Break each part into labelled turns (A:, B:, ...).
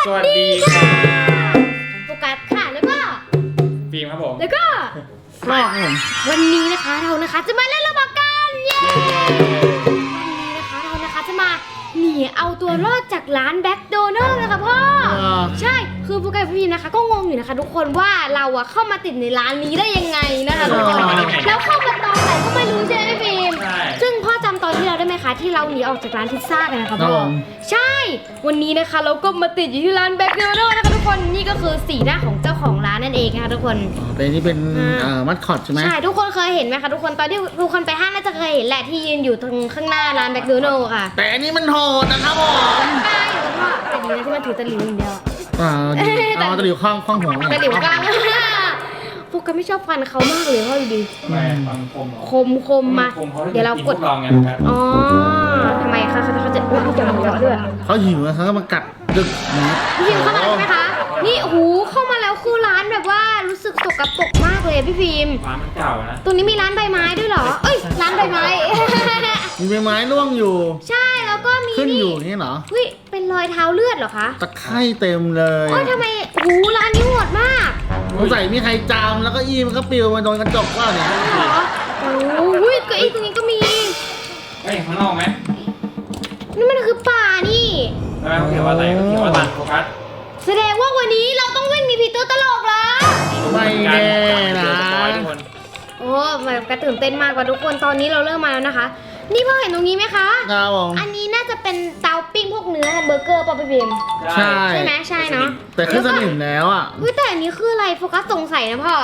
A: สวัสดีค่ะ
B: โฟกัสค่ะแล้วก็
A: ฟิล์มครับผม
B: แล้วก็
C: รอบผม
B: วันนี้นะคะเรานะคะจะมาเล่นระเบิดกันเย้วันนี้นะคะเรานะคะจะมาหนีเอาตัวรอดจากร้านแบ็คโดนัลด์นะคะพ่อใช่คือโฟกัสกับพี่พิมนะคะก็งงอยู่นะคะทุกคนว่าเราอะเข้ามาติดในร้านนี้ได้ยังไงนะคะทุกคนแล้วเข้ามาตอนไหนก็ไม่รู้ใช่ไหมพี่พิมซึ่งพ่อจำตอนที่เราได้ไหมคะที่เราหนีออกจากร้านพิซซ่ากันนะคะพ่อใช่วันนี้นะคะเราก็มาติดอยู่ที่ร้านแบ็คโดนัลด์นะคะทุกคนนี่ก็คือสีหน้าของเจ้าของร้านนั่นเองนะคะทุกคน
C: เป็นนี่เป็นมัดคอตใช่ไหม
B: ใช่ทุกคนเคยเห็นไหมคะทุกคนตอนที่ทุกคนไปห้างน่าจะเคยเห็นแหละที่ยืนอยู่ตรงข้างหน้าร้านแบ็คโดนัลด์ค่ะ
C: แต่อันนี้มันโหดนะครับผม
B: ใช่แล้วก็แต่ดีนะที่มันถือตะหลิวอย่างเดียว
C: เอาตะหลิวข้างหัว
B: ตะหลิวกลางพวกกันไม่ชอบฟันเขามากเลยพ่อดูดิ
A: แม่ฟังคม
B: คมมาเดี๋ยวเรากด
A: ลองไงครับ
B: อ๋อทำไมคะเขาจะอุ้ยจะหัวเราะด้วย
C: เขาหิวเขาก็มากัดดึกนะ
B: พี่พิมเข้ามาแล้วใช่ไหมคะนี่โอ้โหเข้ามาแล้วคือร้านแบบว่ารู้สึกสกปรกมากเลยพี่พิม
A: ร้านมันเก่านะ
B: ตรงนี้มีร้านใบไม้ด้วยเหรอเอ้ยร้านใบไม้
C: มีใบไม้ร่วงอยู่
B: ใช่แล้วก็มี
C: ขึ้น
B: นี่
C: อยู่นี่เหรอ
B: เฮ้ยเป็นรอยเท้าเลือดเหรอคะ
C: ตะไคร่เต็มเลย
B: โอ้ยทำไมหูร้านนี้โหดมาก
C: สงสัยมีใครจามแล้วก็อีมันก็ปลิวมาโดนกระจกว่าเนี่ย
B: เหรอโอ้ยเก้าอี้ตรงนี้ก็มี
A: เฮ้ยข้างนอกไหม
B: นี่มันคือป่านี่
A: แล้วเขาเขียนว่าอะไรเขาเขียนว่าร้านโฟกัส
B: แสดงว่าวันนี้เราต้องวิ่งหนีผีตัวตลกแล้ว
C: ไม่แน่นะ
A: ทุกคน
B: โอ้แบบกระตื่นเต้นมากกว่าทุกคนตอนนี้เราเริ่มมาแล้วนะคะ นี่พ่อเห็นตรงนี้ไหมคะ
C: ครับผม
B: อันนี้น่าจะเป็นเตาปิ้งพวกเนื้อแฮมเบอร์เกอร์ป่ะพี่เบม
C: ใช่
B: ใช่ไหมใช่เนาะ
C: แต่ขึ้นสนิมแล้วอ่ะ
B: เฮ้ยแต่อันนี้คืออะไรโฟกัสสงสัยนะพ่อ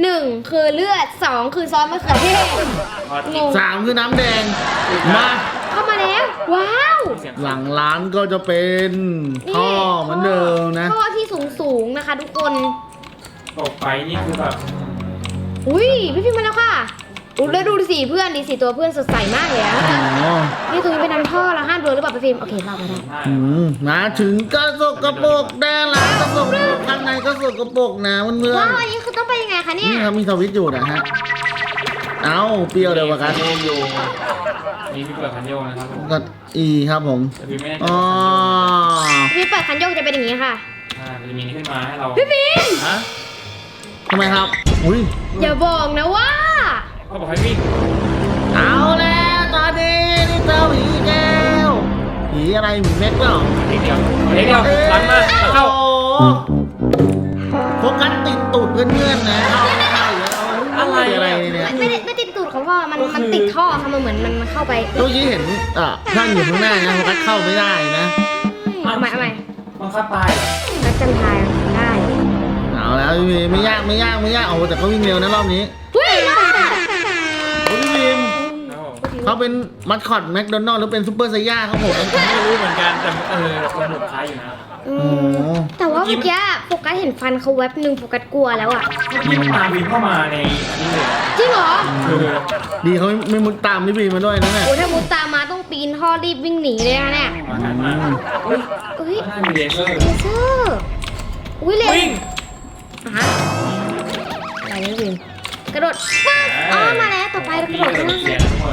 B: 1คือเลือด2คือซอสมะเขือเทศงง
C: 3คือน้ำแดงมา
B: เข้ามาแล้วว้าว
C: หลังร้านก็จะเป็นท่อเหมือนเดิมนะ
B: ท่อที่สูงนะคะทุกคน
A: ตกไปนี่คือแบบ
B: อุ้ยพี่พิมพ์มาแล้วค่ะอุ้ยแล้วดูสิเพื่อนดีสิตัวเพื่อนสดใสมากเลยอะ
C: อ๋อ
B: นี่ตรงนี้เป็นน้ำท่อเราห้ามโดนหรือเปล่าพี่พิมพ์โอเคเราไม่ได้
C: มาถึงก็สกปรกแน่ละก็สกปรกข้างในก็สกปรกนะเพื่อน
B: ว้าวอันนี้คือต้องไปยังไงคะ
C: ๆ
B: เนี่ย
C: นี่ครับมีสวิตช์อยู่นะฮะ เอาเปรี้ยวเดียวกัน
A: โยโย่นี่พี่เปิดคันโยกนะครับผม
C: ก็อีครับผม
A: แต่พี่ไม่แน่ใจ
C: อ๋อ
B: พี่เปิดคันโยกจะเป็นอย่างนี้ค่ะ
A: มันจะมีขึ้นมาให้เรา
B: พี่พิมพ์
A: ฮะ
C: ทำไมครับ อุ้ย
B: อย่าบอกนะว่า
A: เขาบอกให้วิ่ง
C: เอาแล้วตอนนี้นี่เจอผีแก้วผีอะไรผีเม็ดเปล่า
A: เด็กเดียวเด็กเดียวหลังมาเข้า
C: โอ้โหโฟกัสติดตูดเพื่อนๆนะเข้าไม่ได้แล้วอะไรเนี่ย
B: ไม่ติดตูดของพ่อมันติดท่อค่ะมันเหมือนมันเข้าไป
C: เมื่อกี้เห็นท่านอยู่ข้างหน้านะโฟกัสเข้าไม่ได้นะ
B: เอาใหม่
A: บังคับตายเหรอ
B: นักจันทายได้
C: เอาแล้วพี่ไม่ยากโอ้แต่เขาวิ่งเร็วนะรอบนี้
B: เฮ้ย
C: โอ้พี่บีม
A: ครับผม
C: เขาเป็นมัสคอตแมคโดนัลด์หรือเป็นซูเปอร์ไซย่าครับผม
A: ไม่รู้เหมือนกันแต่คนหนุกคล้ายอยู่นะ
B: แต่ว่าเมื่อกี้โฟกัสเห็นฟันเขาแวบหนึ่งโฟกัสกลัวแล้วอ่ะ
A: พี่มันตามวิ่งเข้ามาในอันนี้เลย
B: จริงเหรอ
A: คือ
C: ดีเขาไม่มุดตามพี่บีมมาด้วยนะเนี่ย
B: โอ้ถ้ามุดตามมาต้องปีนท่อรีบวิ่งหนีเลยนะเนี่ย
A: มากันมาอุ้ย
B: เอ้ย
A: หน้ามีเลเซอร์
B: เลเซอร์อุ้ยเล
A: วิ่ง
B: ฮะอะไรนี่วินกระโดดปึ๊บอ๋อมาแล้วต่อไปเรากระโดดข้างล่าง
A: เสียงทุกคน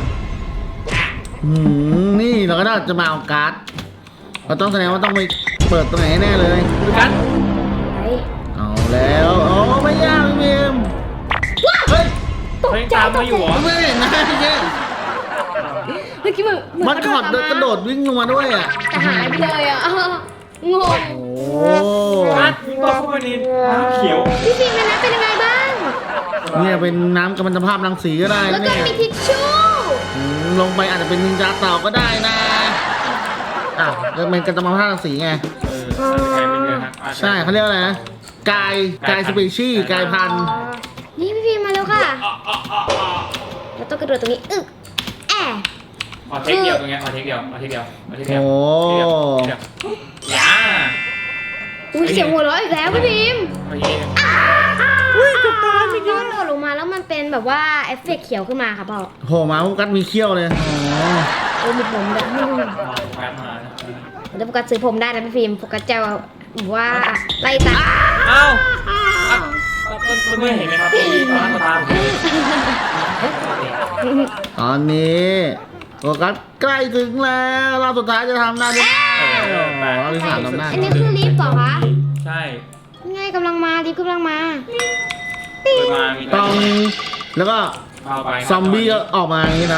C: นี่เราก็จะมาเอาการ์ดเราต้องแสดงว่าต้องไปเปิดตรงไหนแน่เลย
A: ดูกัน
B: ไป
C: เอาแล้วโอ้ไม่ยากพี่บีมเฮ้ย
B: ตก
A: เขายัง
B: ใจ
A: ตาม
B: ต
A: มาก อยู่
B: ใจ
A: เหรอ
C: ไม่เห็นนะพี่เจ๊
B: เมื่อกี้มัน
C: มัสคอตกระโดดวิ่งลงมาด้วยอ่ะ
B: แต่หายไปเลยอ่ะงง
C: โอ้
A: นัดวิ่งต่อเข้าไปในน้ำเขียว
B: พี่ฟิล์มนะเป็นยังไงบ้าง
C: เนี่ยเป็นน้ำกัมมันตภาพรังสีก็ได้
B: แล้ว
C: นะ
B: ก็
C: เนี่ย
B: มีทิชชู่
C: ลงไปอาจจะเป็นนินจาเต่าก็ได้นะอ้าวจะเป็นกัมมันตภาพรังสีไง
A: ใครเป็นเดือนฮะ
C: ใช่เขาเรียกว่าอะไรนะกายสปีชีส์กายพันธุ์
B: นี่พี่ฟิล์มมาแล้วค่ะเราต้องกระโดดตรงนี้อึกแอะ
A: ขอเทคเดียวตรงเนี้ยขอเทคเดียว
C: โอ้
A: อย่า
B: อุ้ยเสียงหัวเราะอีกแล้วพี่ฟิล์ม
A: โอเค
B: อุ้ยกระตายไม่ย้อนโดดลงมาแล้วมันเป็นแบบว่าเอฟเฟกต์เขียวขึ้นมาค่ะพ่อ
C: โหมาโฟกัสมีเขี้ยวเลยอ๋อ
B: โอ้มีผมแบบ
A: แป๊บมา
B: เดี๋ยวโฟกัสซื้อผมได้นะพี่ฟิล์มโฟกัสจะว่าไล่ตัด
A: อ้าวเพื่อนเห็นไหมครับตอนนั้นตาผม
C: ตอนนี้โฟกัสใกล้ถึงแล้วรอบสุดท้ายจะทำได้ไหมรอบที่ 3ทำได้
B: อันนี้คือลิฟต์เหรอคะ
A: ใช่
B: ง่ายกำลังมาลิฟต์กำลังมา
A: เปิดมามี
C: ต้องแล้วก็
A: เข้าไป
C: ซอมบี้ก็ออกมาอย่างนี้นะ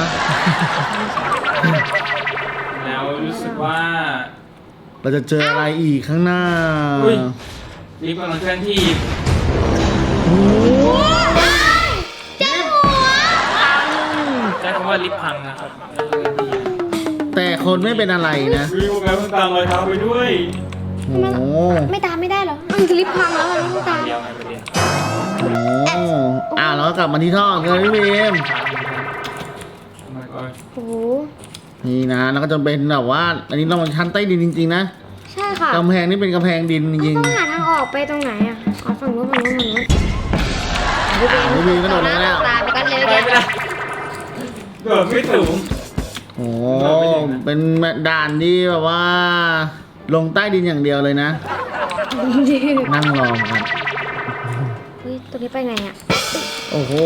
A: แล้วรู้สึกว่า
C: เราจะเจออะไรอีกข้างหน้า
A: อุ้ย ลิฟต์กำลังเคลื่อนที่
C: โอ้โห
B: เจ้าหัว
A: ใช้คำว่าลิฟต์พังนะครับ
C: แต่คนไม่เป็นอะไรนะ
A: วิวแมวต้องตามรอยเท้าไปด้วย
C: โอ้โห
B: ไม่ตามไม่ได้เหรอมันคือลิฟต์พังแล้วมันต้องตาม
A: เดียวไงประเด็น
C: โอ้โหแล้วก็กลับมาที่ท่อเลยพี่บีม
A: มันก็
B: โอ้โห
C: นี่นะแล้วก็จะเป็นแบบว่า อันนี้ต้องเป็นชั้นใต้ดินจริงๆนะ
B: ใช่ค่ะ
C: กำแพงนี่เป็นกำแพงดินจริง
B: ต้องหาทางออกไปตรงไหนอ่ะอ๋อฝั่งนู้นฝั่งนู้นฝั่งนู้น
C: พี่บีมก็โดดลงแล้ว
B: ตามไปกันเลย
A: ไป
B: แก
A: ไม่ได้เกิดไม่สูง
C: โอ้โหเป็นด่านที่แบบว่า ลงใต้ดินอย่างเดียวเลยนะ นั่งรอครับ
B: เฮ้ยตรงนี้ไปไงอ่ะ
C: โอ้โห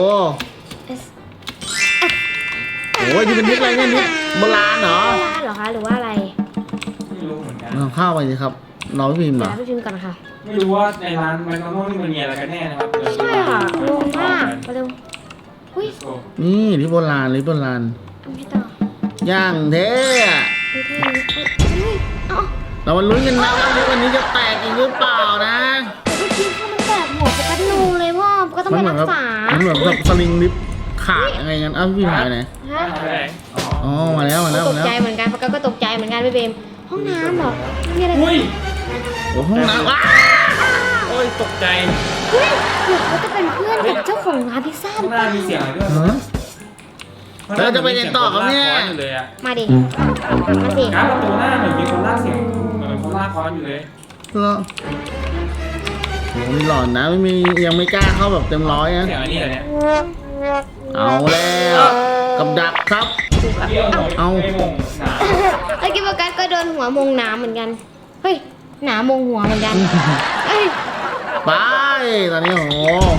B: S
C: โอ้ยนี่เป็นยุคอะไรเนี่ยยุคโบราณเหรอ
B: โบราณเหรอคะหรือว่าอะไร
A: ไม่รู้เหมือนกัน
C: ลองเข้าไปสิครับรอพี่พิมพ์เหร
B: เดี๋ยว
C: อ
B: เราไปพิมพ์ก่อนค่ะ
A: ไม่รู้ว่าในร้านแมคโดนัลด์นี่มันมีอะไรกันแน่นะครับ
B: ใช่ค่ะงงมากไปเร็วอุ้ย
C: นี่ที่โบราณหรือโบราณ
B: เอาไม่ต่อย่าง
C: เท่อะ
B: เฮ้ยเท่นี้เฮ้ยเอ้า
C: เรามาลุ้นกันนะว่าลิฟต์วันนี้จะแตกอีกหรือเปล่านะ
B: เมื่อกี้ถ้ามันแบบหัวโฟกัสนูเลยพ่อโฟกัสต้อง
C: มัน
B: ไป
C: เหมือน
B: รั
C: กับ
B: กษา
C: มันเหมือนกับสลิงลิฟต์ขาดอะไรกันอ้าวพี่พิมพ์หายไปไหน
B: ฮะ
A: ไปไหนอ๋อ
C: อ๋อมาแล้วมาแล้ว
B: ต
C: มาก แล้ว
B: ใจเหมือนกันโฟกัสก็ตกใจเหมือนกันพี่เบมห้องน้ำเหรอมีอะไร
A: อุ้ย
C: โอ้ห้องน้ำว้า
A: โอ้ยตกใจ
B: เฮ้ยหรือเขาจะเป็นเพื่อนกับเจ้าของร้านพิซซ่าห
A: ข้า
B: รื
A: ง
B: อ
A: ห
B: เป
A: น้า
B: ล่า
A: มีเสียงอะไรด้วย
C: ฮะ แล้วจะไปเรียนต่อครับเนี่ย
A: มีสีงคลากค้อนอยู่เลยอะ
B: มาดิมาสิ
A: การ์ดประตูหน้าเหมือนมีคนลากเสียงเหมือนคนลากค้อนอยู่เลย
C: แล้วโอ้มีหลอนนะไม่มียังไม่กล้าเข้าแบบเต็มร้อยนะ
A: เสียงอันนี้เหรอเนี่ย
C: เอาแล้วกับดักครับ
A: เดี๋ยวหน่อย
C: เอา
A: ไม่มงหนา
B: เมื่อกี้โฟกัสก็โดนหัวมงน้ำเหมือนกันเฮ้ยหนามงหัวเหมือนกันเอ้ย
C: ไปตอนนี้โอ้โห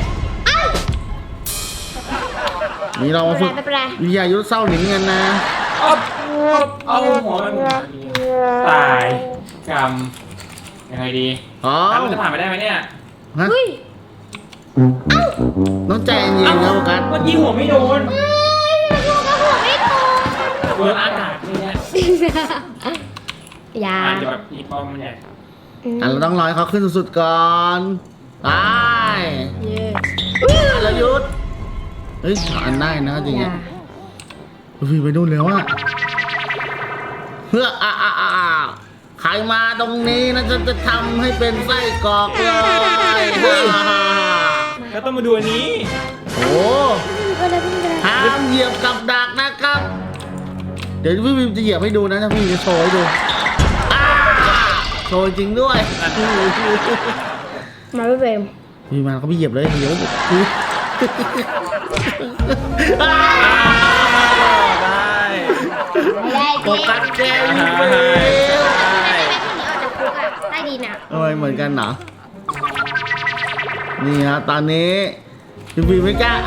C: นี่เรามาฝึก
B: ไม่เป็นไร
C: วิทยายุทธเศร้าหลินกันนะ
A: เอาหัวมันตายกรรมยังไงดี
C: อ๋อ
A: แล้วมันจะผ่านไปได้ไหมเนี่ย
C: ฮะ
B: เฮ้ย
C: ต้องใจเย็นๆครับโฟกัส
A: เมื่อกี้หัวไม่โดน
B: เฮ้ยโฟกัสหัวไม่โต
A: โดนอากาศเลยเนี่ย
B: อย่า
A: อาจจะแบบอีปอมมันใหญ่
C: เราต้องรอให้เขาขึ้นสุดๆก่อนไป
B: เย้
C: แล้วยุทธเฮ้ยอันได้นะจริง
B: อย่า
C: อ่ะพี่ไปนู่นแล้วอะเพื่อใครมาตรงนี้นะฉันจะทำให้เป็นไส้กรอกเลย
A: ก็ต้องมาดูอันนี้
C: โอ้
B: ไปเลยพี่ไปเลย
C: ห้ามเหยียบกับดักนะครับ เดี๋ยวพี่วิมจะเหยียบให้ดูนะถ้าพี่จะโชว์ให้ดูโชว์จริงด้วย
B: มาพี่เบม
C: พี่มาเขาพี่เหยียบเลยเดี๋ยว
A: ได้
B: ไม่ได้
C: โฟกัสแกอยู่
B: ไม่
C: ไป
B: ได้ไม่ได้ออกจากคุกอะใต้ดินอะ
C: ทำไมเหมือนกันเหรอนี่ฮะตอนนี้พี่วิมไม่กล้า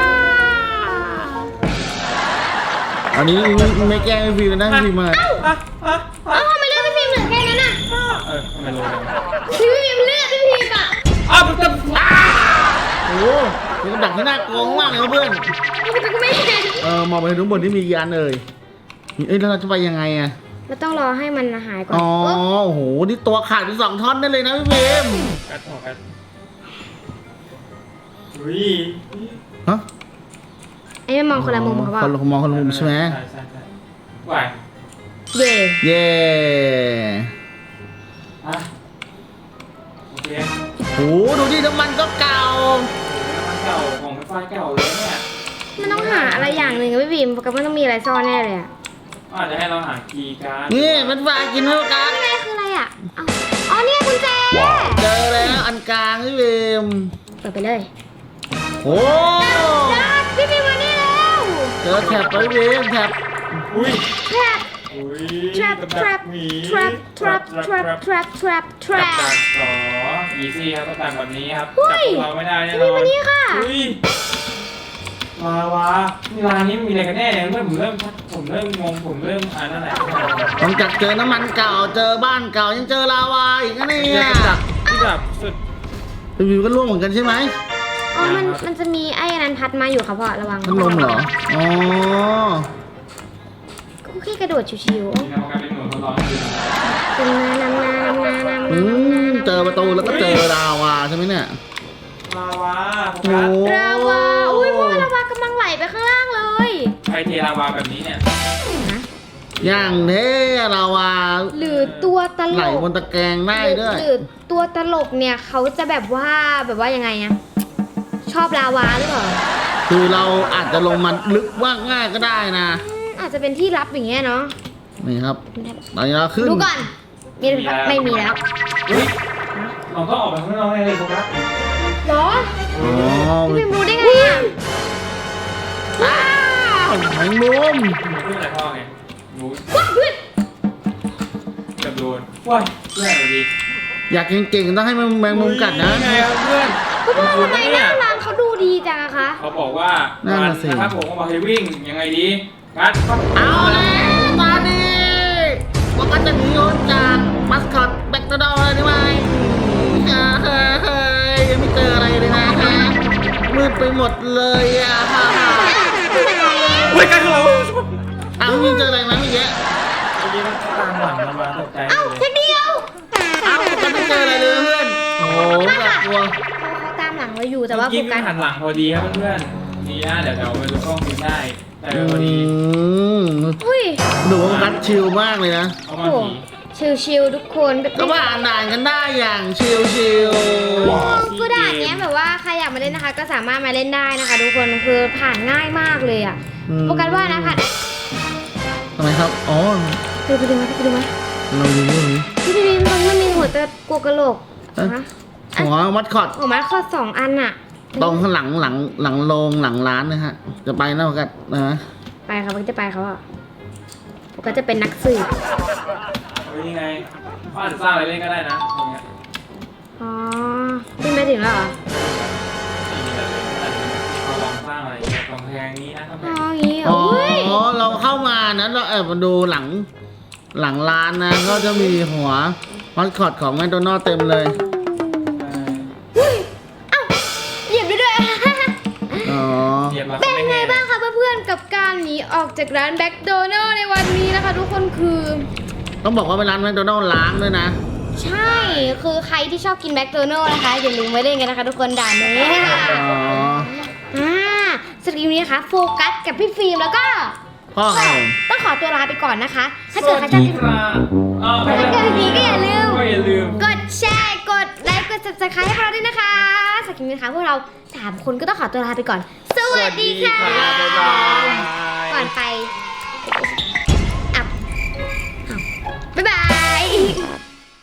C: ตอนนี้ไม่แกล้งพี่วิมนะพี่วิมมา
B: เอ้าทำไมเลือดพี่พิมเหลือแค่นั้นอะ
A: ทำไมรู้เลย
B: พี่พิมเลือดพี่พิมอะ
A: มันจะ
C: โอ้โหเป็นกระดักที่น่ากลัวมากเลยครับเพื่อน
B: พี่ก็ไม่เห็น
C: มองไปทุกบนที่มียานเลยเอ้ยแล้วเราจะไปยังไงอะ
B: เราต้องรอให้มันหายก่อน
C: อ๋อโอ้โหนี่ตัวขาดเป็น2 ท่อนได้เลยนะพี่วิม
A: กัดหัวกัดอุ้ย
C: ฮะ
B: ไอ้ไม่มองคนละมุมเขาเปล่า
C: คนละมองคนละมุมใช่ไหม
A: ใช่ไหว
B: เย่
C: เย่
A: อ่ะโอเค
C: โอ้โหดูดิน้ำมันก็เก่า
A: มันเก่าของไฟเก่าเลยเนี่ย
B: มันต้องหาอะไรอย่างหนึ่งอะพี่พิมกับมันต้องมีอะไรซ่อนแน่เลยอะ
A: อาจจะให้เราหาคีย์การ์ด
C: นี่มันฝากกินเท่ากัน
B: อะไรคืออะไรอะเอ้าอ๋อเนี่ยกุญแจ
C: เจอแล้วอันกลางพี่วิม
B: เปิดไปเลย
C: โอ้
B: จ้าพี่พิมมานี่แล้ว
C: เจอแท็บไปพี่วิมแท็บ
A: อุ้ย
B: แทรป
A: อุ้ย
B: trap
A: กับดัก
B: trap
A: หมี
B: trap trap trap trap trap
A: กับ
B: trap
A: ดักต่ออีซี่ครับต้องการแบบนี้ครับ
B: เฮ้
A: จับ
B: ย
A: พวกเราไม่ได้แน่น
B: พี่
A: อน
B: มานี่ค่ะ
A: อุ้ยลาวานี่ร้านนี้มีอะไรกันแน่เนี่ยเมื่อผมเริ่มงงผมเริ่มนั่นแหละ
C: หลังจากเจอน้ำมันเก่าเจอบ้านเก่ายังเจอลาวาอีกนะเนี่
A: เนี่ย ยจับที่แบบสุด
C: รีวิวก็ร่วงเหมือนกันใช่ไหม
B: อ๋อมันจะมีไอ้นั้นพัดมาอยู่ครับพ่อระวัง
C: พัดลมเหรออ๋อ
B: ก็แค่กระโดดชิว
A: นี่นะมันกลายเป็นหน่วยทดลองจริง
B: ๆเป็นน้ำ
C: เจอประตูแล้วก็เจอลาวาใช่ไหมเนี่ย
A: ลาวาโฟ
C: โอ้
A: กัส
B: ลาวาอุ้ยพ่อลาวากำลังไหลไปข้างล่างเลย
A: ใครเทลาวาแบบนี้เนี่ย
C: อย่างเท่ลาวา
B: หรือตัวตล
C: ไหล
B: ก
C: บนตะแกรงได้ด้วย
B: หรือตัวตลกเนี่ยเขาจะแบบว่ายังไงอะชอบลาวาหรือเปล่า
C: คือเราอาจจะลงมันลึกว่าง่ายก็ได้นะ
B: อาจจะเป็นที่ลับอย่างเงี้ยเนาะ
C: นี่ครับตอนนี้เราขึ้น
B: ดูก่อนมีหรือเปล่าไม่มีแล้ว
A: เฮ้ยเราต้องออกไปข้างนอกแน่เลยโฟกัส
B: เหรอ
C: อ๋อ
B: พี่พิมรู้ได้ไงอะ
C: อ้าวแมงมุม
A: มันขึ้นอะไรพ่อไงรู้
B: ว้าวเพื่อน
A: เกือบโดนว้ายเพื่อนสวัสดี
C: อยากเก่งๆต้องให้แมงมุมกัดนะ
A: ไงครับเพื่อน
B: คุณพ่อทำไมหน้าร้านเขาดูดีจังอะคะ
A: เขาบอกว่า
C: นั่นน่ะสิ
A: นะครับผมเขาบอกให้วิ่งยังไงดีกัด
C: เอาแล้วตอนนี้ว่าก็จะหนีออกจากมัสคอตแบ็กดอร์เลยได้ไหมเฮ้ยยังไม่เจออะไรเลยนะฮะมืดไปหมดเลยอ่ะ
A: เฮ้ยกัดเขา
C: เอาไม่เจออะไรไหมเมื่อกี้
A: เมื่อกี้มันตามหลังมันมาตกใจ
B: เอ้า
A: เลย
B: แค่เดียว
C: เอาก็ไม่เจออะไรเลยเพื่อนโอ้โหแบบกลัว
B: เขาตามหลังเราอยู่แต่ว่า
A: เมื่อ
B: โฟ
A: กี้
B: กั
A: มั
B: ส
A: นหันหลังพอดีครับเพื่อนๆนี่นะเดี๋ยวเราไปดูกล้องฟิล์มได้แต่พอดี
B: อุ้ย
C: ดูว่ากัดชิลมากเลยนะ
A: เอามา
B: โอ้
A: ผี
B: ชิลๆทุกคนแบบ
C: ก็ผ่านด่านกันได้อย่างชิล
B: คือด่านเนี้ยแบบว่าใครอยากมาเล่นนะคะ ก็สามารถมาเล่นได้นะคะทุกคนคือผ่านง่ายมากเลยอ่ะโฟกัสว่านะผ่าน
C: ทำไมครับอ๋อ
B: ไปดูไหม
C: เราดูเรื่องนี้
B: พี่พิมพ์มันมีหัวตะกัวกระโหลกนะคะ
C: หัวมัดคอต
B: หัวมัดข้อสองอันอ่ะ
C: ตรงข้างหลังโรงหลังร้านนะฮะ จะไปนะกันนะ
B: ไปครับมันจะไปเขาอ่ะโฟกัสจะเป็นนักสืบ
A: เฮ้ยยังไงเขาอาจจะสร้างอะไรเล่นก็ได้นะตรงเนี้ย
B: อ๋อขึ้นไปถึงแล้วเหรอ
A: นี่อะไรเขาลองสร้างอะไรกำแพงนี้นะกำแพ
B: อ๋อง อย่างงี้เหร
C: อ๋
B: อ
C: อ
B: เฮ้ย
C: เราเข้ามานะเราแอบมาดูหลังร้านนะ ก็จะมีหัวมัดคอตของแมคโดนัลด์เต็มเลย
B: เอ้าเหยียบด้วย
C: อ๋อ
A: เหยียบแล้ว
B: เป็น
A: ไม่
B: ไง
A: แห้ง
B: บ้างคะเพื่อนๆกับการหนีออกจากร้านแบ็คโดนัลในวันนี้นะคะ ทุกคนคือ
C: ต้องบอกว่าเป็นร้านแมคโดนัลด์ล้างด้วยนะ
B: ใช่คือใครที่ชอบกินแบ็คโดนัลนะคะอย่าลืมไว้เล่นกันนะคะทุกคนด่านนี้
C: อ๋อ
B: สำหรับคลิปนี้นะคะโฟกัสกับพี่ฟิล์มแล้วก็
C: พ่อครับผม
B: ต้องขอตัวลาไปก่อนนะคะ ถ้า
A: ส
B: เกิด
A: วั
B: ใคร
A: ส
B: ชอบ
A: ดี
B: คลิป
A: ครับอ้าว
B: ถ้าเกิดดีก็อย่าลืม
A: ก็อย่าลืม
B: กดแชร์กดไลค์กด subscribe ให้พวกเราด้วยนะคะสำหรับคลิปนี้นะคะพวกเรา3คนก็ต้องขอตัวลาไปก่อน สวัสดีค่ะ
A: สวัสดีครับ